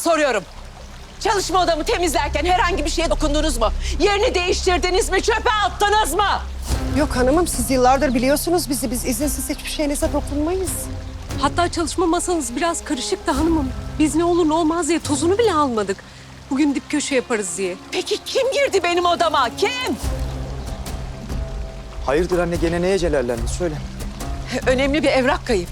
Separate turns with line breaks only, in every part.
soruyorum. Çalışma odamı temizlerken herhangi bir şeye dokundunuz mu? Yerini değiştirdiniz mi? Çöpe attınız mı?
Yok hanımım, siz yıllardır biliyorsunuz bizi. Biz izinsiz hiçbir şeyinize dokunmayız.
Hatta çalışma masanız biraz karışıktı hanımım. Biz ne olur ne olmaz diye tozunu bile almadık. Bugün dip köşe yaparız diye.
Peki kim girdi benim odama? Kim?
Hayırdır anne, gene neye celallendin? Söyle.
Önemli bir evrak kayıp.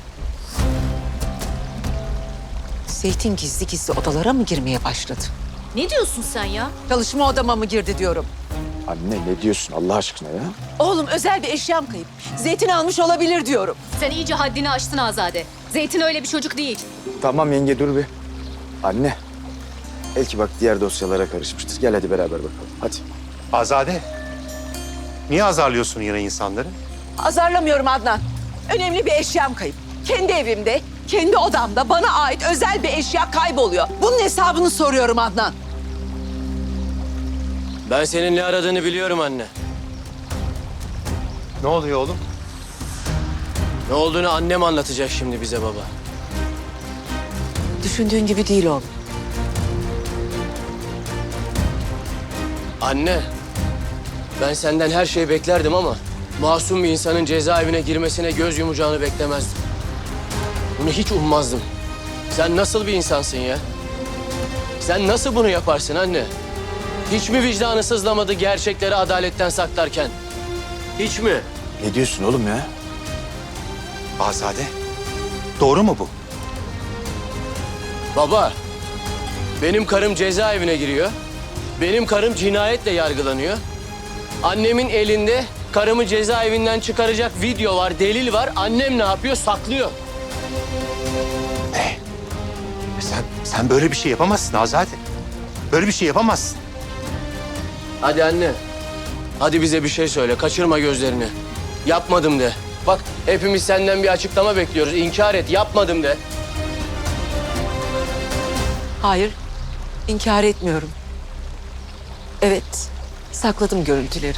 Zeytin gizli gizli odalara mı girmeye başladı?
Ne diyorsun sen ya?
Çalışma odama mı girdi diyorum.
Anne ne diyorsun Allah aşkına ya?
Oğlum özel bir eşyam kayıp. Zeytin almış olabilir diyorum.
Sen iyice haddini aştın Azade. Zeytin öyle bir çocuk değil.
Tamam yenge dur bir. Anne. Belki bak diğer dosyalara karışmıştır. Gel hadi beraber bakalım. Hadi.
Azade, niye azarlıyorsun yine insanları?
Azarlamıyorum Adnan. Önemli bir eşyam kayıp. Kendi evimde, kendi odamda bana ait özel bir eşya kayboluyor. Bunun hesabını soruyorum Adnan.
Ben senin ne aradığını biliyorum anne.
Ne oluyor oğlum?
Ne olduğunu annem anlatacak şimdi bize baba.
Düşündüğün gibi değil oğlum.
Anne, ben senden her şeyi beklerdim ama masum bir insanın cezaevine girmesine göz yumacağını beklemezdim. Bunu hiç ummazdım. Sen nasıl bir insansın ya? Sen nasıl bunu yaparsın anne? Hiç mi vicdanı sızlamadı gerçekleri adaletten saklarken? Hiç mi?
Ne diyorsun oğlum ya?
Azade, doğru mu bu?
Baba, benim karım cezaevine giriyor. Benim karım cinayetle yargılanıyor. Annemin elinde karımı cezaevinden çıkaracak video var, delil var. Annem ne yapıyor? Saklıyor.
Sen böyle bir şey yapamazsın Azade. Böyle bir şey yapamazsın.
Hadi anne. Hadi bize bir şey söyle. Kaçırma gözlerini. Yapmadım de. Bak hepimiz senden bir açıklama bekliyoruz. İnkar et. Yapmadım de.
Hayır, inkar etmiyorum. Evet, sakladım görüntüleri.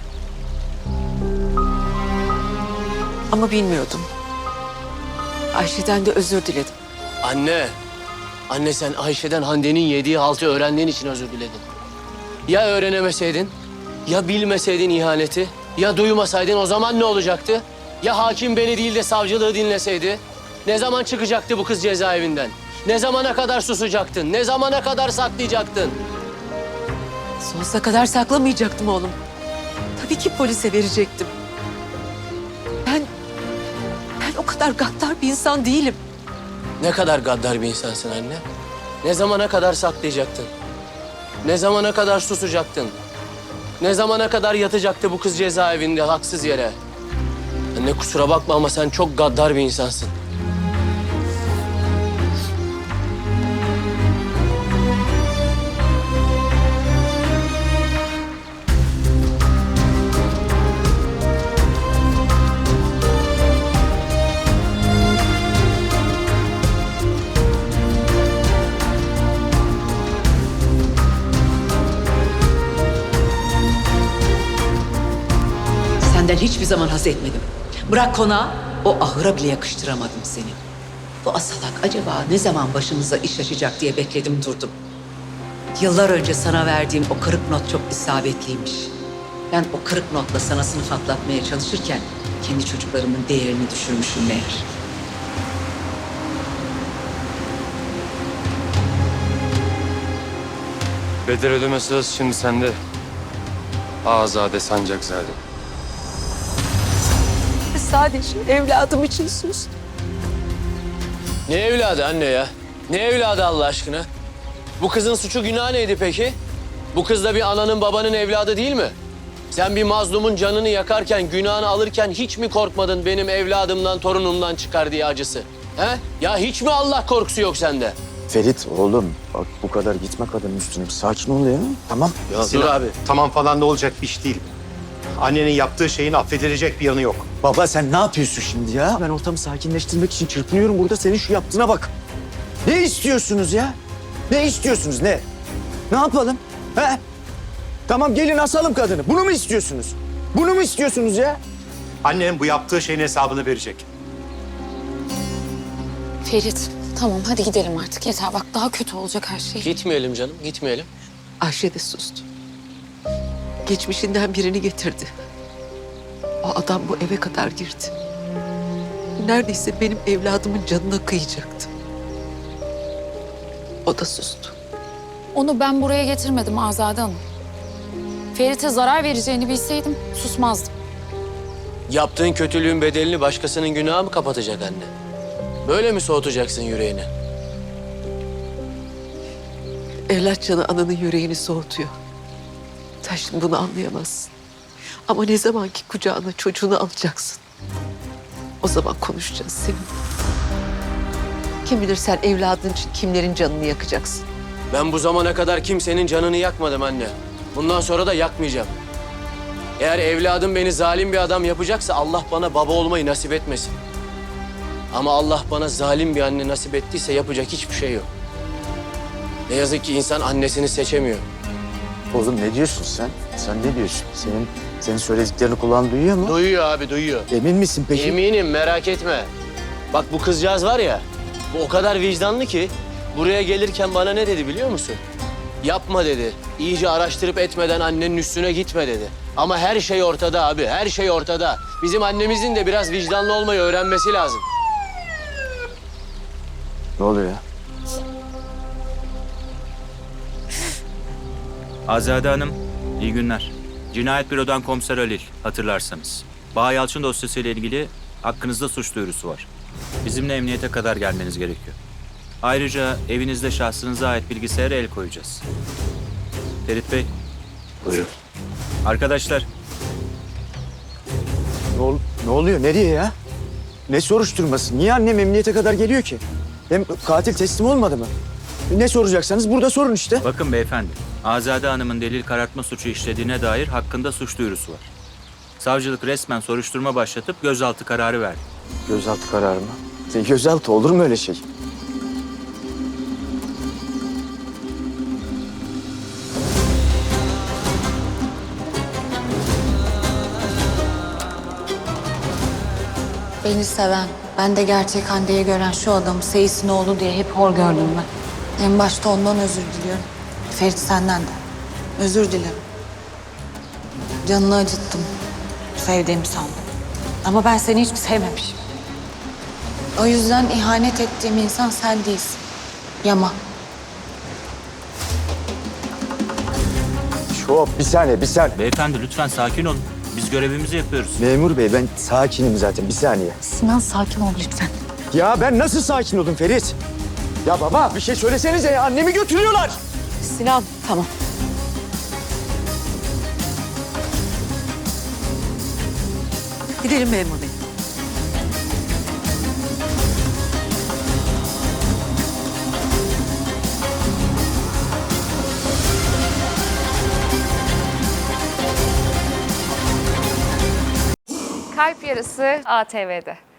Ama bilmiyordum. Ayşe'den de özür diledim.
Anne. Anne sen Ayşe'den Hande'nin yediği haltı öğrendiğin için özür diledin. Ya öğrenemeseydin? Ya bilmeseydin ihaneti? Ya duymasaydın o zaman ne olacaktı? Ya hakim beni değil de savcılığı dinleseydi? Ne zaman çıkacaktı bu kız cezaevinden? Ne zamana kadar susacaktın? Ne zamana kadar saklayacaktın?
Sonsuza kadar saklamayacaktım oğlum. Tabii ki polise verecektim. Ben o kadar gaddar bir insan değilim.
Ne kadar gaddar bir insansın anne. Ne zamana kadar saklayacaktın? Ne zamana kadar susacaktın? Ne zamana kadar yatacaktı bu kız cezaevinde haksız yere? Anne kusura bakma ama sen çok gaddar bir insansın.
Senden hiçbir zaman haz etmedim. Bırak konağı, o ahıra bile yakıştıramadım seni. Bu asalak acaba ne zaman başımıza iş açacak diye bekledim durdum. Yıllar önce sana verdiğim o kırık not çok isabetliymiş. Ben o kırık notla sana sınıf atlatmaya çalışırken kendi çocuklarımın değerini düşürmüşüm meğer.
Bedel ödeme sırası şimdi sende. Azade Sancakzade.
Sadece evladım için sus.
Ne evladı anne ya? Ne evladı Allah aşkına? Bu kızın suçu günahı neydi peki? Bu kız da bir ananın babanın evladı değil mi? Sen bir mazlumun canını yakarken, günahını alırken hiç mi korkmadın benim evladımdan, torunumdan çıkar diye acısı? He? Ya hiç mi Allah korkusu yok sende?
Ferit oğlum bak bu kadar gitme kadının üstüne. Bir sakin ol ya. Tamam.
Ya
Sinan,
dur abi.
Tamam falan da olacak bir iş değil. Annenin yaptığı şeyin affedilecek bir yanı yok.
Baba sen ne yapıyorsun şimdi ya? Ben ortamı sakinleştirmek için çırpınıyorum burada. Senin şu yaptığına bak. Ne istiyorsunuz ya? Ne istiyorsunuz ne? Ne yapalım? He? Tamam gelin asalım kadını. Bunu mu istiyorsunuz? Bunu mu istiyorsunuz ya?
Annenin bu yaptığı şeyin hesabını verecek.
Ferit,
Tamam hadi gidelim artık yeter. Bak daha kötü olacak her şey.
Gitmeyelim canım, gitmeyelim.
Ayşe de sustu. Geçmişinden birini getirdi. O adam bu eve kadar girdi. Neredeyse benim evladımın canına kıyacaktı. O da sustu.
Onu ben buraya getirmedim Azade Hanım. Ferit'e zarar vereceğini bilseydim susmazdım.
Yaptığın kötülüğün bedelini başkasının günahı mı kapatacak anne? Böyle mi soğutacaksın yüreğini?
Evlat canı ananın yüreğini soğutuyor. Sen şimdi bunu anlayamazsın. Ama ne zaman ki kucağına çocuğunu alacaksın, o zaman konuşacağız seninle. Kim bilir sen evladın için kimlerin canını yakacaksın.
Ben bu zamana kadar kimsenin canını yakmadım anne. Bundan sonra da yakmayacağım. Eğer evladım beni zalim bir adam yapacaksa Allah bana baba olmayı nasip etmesin. Ama Allah bana zalim bir anne nasip ettiyse yapacak hiçbir şey yok. Ne yazık ki insan annesini seçemiyor.
Oğlum ne diyorsun sen? Sen ne diyorsun? Senin söylediklerini kulağın duyuyor mu?
Duyuyor abi, duyuyor.
Emin misin peki?
Eminim, merak etme. Bak bu kızcağız var ya, bu o kadar vicdanlı ki buraya gelirken bana ne dedi biliyor musun? Yapma dedi. İyice araştırıp etmeden annenin üstüne gitme dedi. Ama her şey ortada abi, her şey ortada. Bizim annemizin de biraz vicdanlı olmayı öğrenmesi lazım.
Ne oluyor ya?
Azade Hanım, iyi günler. Cinayet Büro'dan Komiser Halil, hatırlarsanız. Baha Yalçın dosyasıyla ilgili hakkınızda suç duyurusu var. Bizimle emniyete kadar gelmeniz gerekiyor. Ayrıca evinizde şahsınıza ait bilgisayara el koyacağız. Ferit Bey.
Buyurun.
Arkadaşlar,
Ne oluyor? Nereye ya? Ne soruşturması? Niye annem emniyete kadar geliyor ki? Hem katil teslim olmadı mı? Ne soracaksanız burada sorun işte.
bakın beyefendi. Azade Hanım'ın delil karartma suçu işlediğine dair hakkında suç duyurusu var. Savcılık resmen soruşturma başlatıp gözaltı kararı verdi.
Gözaltı kararı mı? Gözaltı olur mu öyle şey?
Beni seven, ben de gerçek Hande'yi gören şu adamı Seyis'in oğlu diye hep hor gördüm ben. En başta ondan özür diliyorum. Ferit senden de. Özür dilerim. Canını acıttım. Sevdiğimi sandım. Ama ben seni hiç sevmemişim. O yüzden ihanet ettiğim insan sen değilsin. Yaman.
Şop, bir saniye.
Beyefendi lütfen sakin olun. Biz görevimizi yapıyoruz.
Memur bey ben sakinim zaten, bir saniye.
Sinan sakin ol lütfen.
Ya ben nasıl sakin oldum Ferit? Ya baba bir şey söylesenize ya, annemi götürüyorlar.
Sinan, tamam. Gidelim memur bey.
Kalp Yarısı ATV'de.